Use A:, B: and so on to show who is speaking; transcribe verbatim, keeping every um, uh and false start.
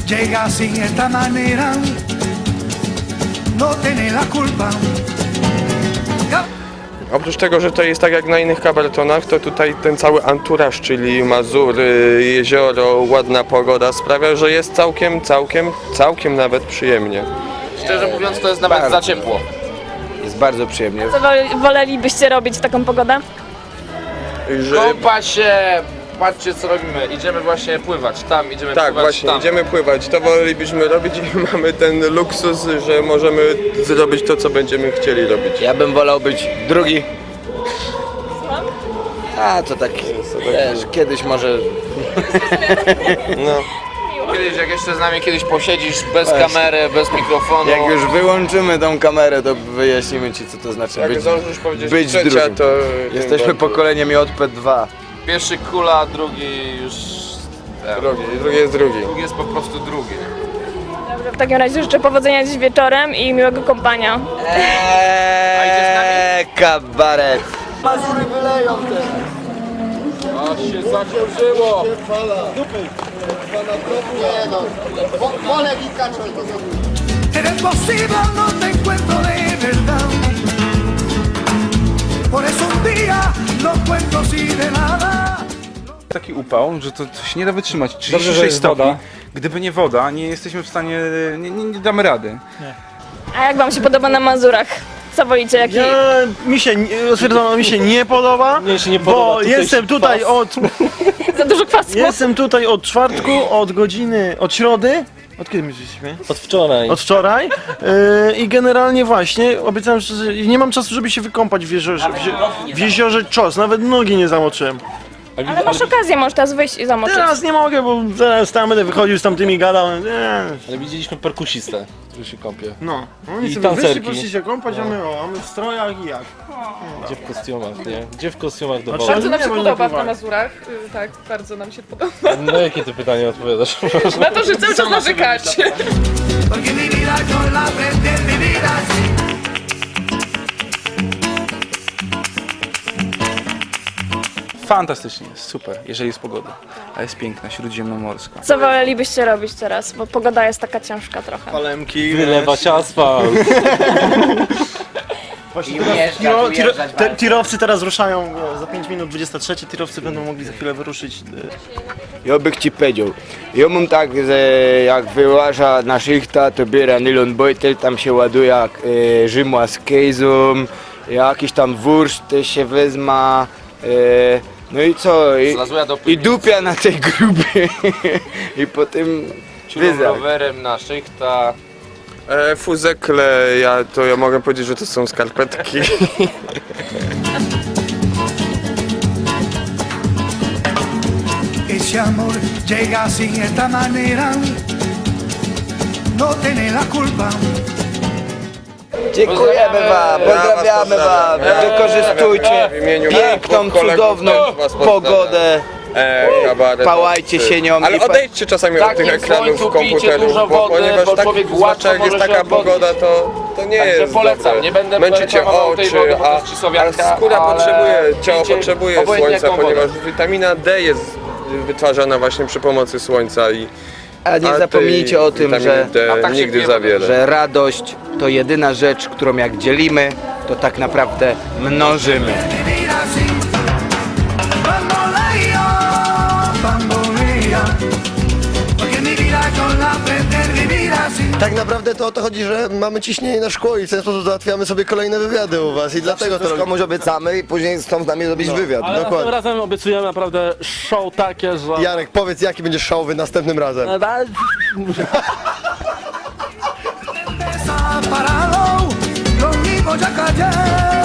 A: llega sin esta manera, no tiene la culpa.
B: Oprócz tego, że to jest tak jak na innych kabaretonach, to tutaj ten cały anturaż, czyli Mazury, jezioro, ładna pogoda sprawia, że jest całkiem, całkiem, całkiem nawet przyjemnie.
C: Szczerze mówiąc, to jest nawet
D: Bardzo.
C: za ciepło.
D: Jest bardzo przyjemnie.
E: Co wol- wolelibyście robić w taką pogodę?
B: Że,
C: Kąpać się, patrzcie co robimy. Idziemy właśnie pływać, tam idziemy
B: tak,
C: pływać,
B: właśnie,
C: tam.
B: idziemy pływać. To wolelibyśmy robić i mamy ten luksus, że możemy zrobić to, co będziemy chcieli robić.
D: Ja bym wolał być drugi. A to tak, wiesz, kiedyś może...
B: No.
C: Kiedyś, jak jeszcze z nami kiedyś posiedzisz bez kamery, bez mikrofonu.
D: Jak już wyłączymy tą kamerę, to wyjaśnimy ci, co to znaczy
B: Jak
D: być,
B: zdążysz powiedzieć
D: być
B: trzecia,
D: drugim.
B: to...
D: Jesteśmy
B: tym
D: pokoleniem J P dwa.
C: Pierwszy kula, drugi już...
B: bardziej. Drugi, drugi jest drugi.
C: Drugi jest po prostu drugi.
E: Dobrze, w takim razie życzę powodzenia dziś wieczorem i miłego kąpania.
C: A idziesz z nami?
D: Eee, kabaret.
C: A się zaciążyło!
A: Eres posible, no te encuentro de verdad. Por eso un día no cuento así de nada.
F: Taki upał, że to, to się nie da wytrzymać. trzydzieści sześć stopni. Woda. Gdyby nie woda, nie jesteśmy w stanie, nie, nie, nie damy rady.
E: A jak wam się podoba na Mazurach? Co wolicie? Jaki...
G: Ja, mi się, nie- stwierdzam, mi się nie podoba,
H: Mnie się nie podoba,
G: bo
H: tutaj
G: jestem tutaj od,
E: Za dużo kwasu?
G: jestem tutaj od czwartku, od godziny, od środy, od kiedy my tu jesteśmy?
H: Od wczoraj.
G: Od wczoraj yy, i generalnie właśnie obiecałem, że nie mam czasu, żeby się wykąpać w jeziorze, w, je- w jeziorze Czos, nawet nogi nie zamoczyłem.
E: Ale masz okazję, możesz teraz wyjść i zamoczyć.
G: Teraz nie mogę, bo zaraz tam będę wychodził z tamtymi gadał, nie.
H: Ale widzieliśmy perkusistę, który się kąpie.
G: No, oni
H: I
G: sobie wyszli,
H: tancerki.
G: poszli się kąpać, a my, o, a my w strojach i jak.
H: Gdzie w kostiumach, nie? Gdzie w kostiumach do
G: A
H: wody?
G: bardzo
I: Bardzo nam się
G: Nie, bo nie
I: podoba na
G: pływali.
I: Mazurach, y, tak, bardzo nam się podoba.
H: No jakie ty pytanie odpowiadasz?
I: Na to, że cały czas narzekacie.
A: Porque mi vida yo la aprendí a vivir así.
F: Fantastycznie jest, super, jeżeli jest pogoda. A jest piękna, śródziemnomorska.
E: Co wolelibyście robić teraz? Bo pogoda jest taka ciężka trochę.
G: Palemki,
H: Wylewać asfalt.
D: I
G: Tiro,
D: ujeżdżać,
G: tiro,
D: ujeżdżać
G: te,
D: bardzo.
G: tirowcy teraz ruszają e, za pięć minut, dwadzieścia trzy, tirowcy będą mogli za chwilę wyruszyć. e,
D: Ja bych ci powiedział, ja mam tak, że jak wyłaża na szychta, to biera nylon bojtel, tam się ładuje jak e, rzymła z kejzą, jakiś tam wursz też się wezma, e, no i co, i,
C: Zlazuja do
D: i
C: piwnicy.
D: dupia na tej grubie i potem
C: Ciulą
D: wyzak.
C: rowerem na szychta.
B: E, fuzekle, ja, to ja mogę powiedzieć, że to są skarpetki.
A: Ese amor llega sin esta manera, no tiene la culpa.
D: Dziękujemy wam, pozdrawiamy wam, wykorzystujcie
B: W imieniu
D: piękną,
B: kolegów
D: cudowną
B: też was pozdrawiam.
D: pogodę,
B: E, kabaret,
D: pałajcie się nią
B: Ale
D: i pa-
B: odejdźcie czasami od tych
C: takim
B: ekranów
C: słońcu pijcie
B: komputerów,
C: dużo
B: bo,
C: wody,
B: ponieważ
C: bo
B: tak,
C: człowiek
B: zwłaszcza
C: łatwo
B: jak jest
C: może się
B: taka
C: odwodnić.
B: pogoda, to, to nie
C: Także
B: jest
C: polecam,
B: dobre.
C: nie będę
B: Męczycie
C: reklamował tej
B: oczy,
C: wody, bo to
B: a,
C: jest Cisłowianka,
B: a skóra
C: ale
B: potrzebuje, ciało
C: pijcie
B: potrzebuje
C: obojętnie
B: słońca,
C: jaką wodę.
B: ponieważ witamina D jest wytwarzana właśnie przy pomocy słońca i
D: a nie
B: a tej
D: zapomnijcie o tym,
B: witaminy
D: że,
B: D
C: A tak się
B: nigdy
C: pije
B: za
C: wodę.
B: wiele.
D: że radość to jedyna rzecz, którą jak dzielimy, to tak naprawdę mnożymy.
A: Vivir así. Bambolea, bambolea. Porque mi vida yo la aprendí a vivir así.
J: Tak naprawdę to o to chodzi, że mamy ciśnienie na szkło i w ten sposób załatwiamy sobie kolejne wywiady u was i dlatego to komuś obiecamy i później chcą z nami zrobić wywiad.
H: Ale następnym
J: Dokładnie.
H: razem obiecujemy naprawdę show takie, że...
J: Jarek, powiedz jaki będzie showy następnym razem.
A: Desaparado, lo mismo ya callé.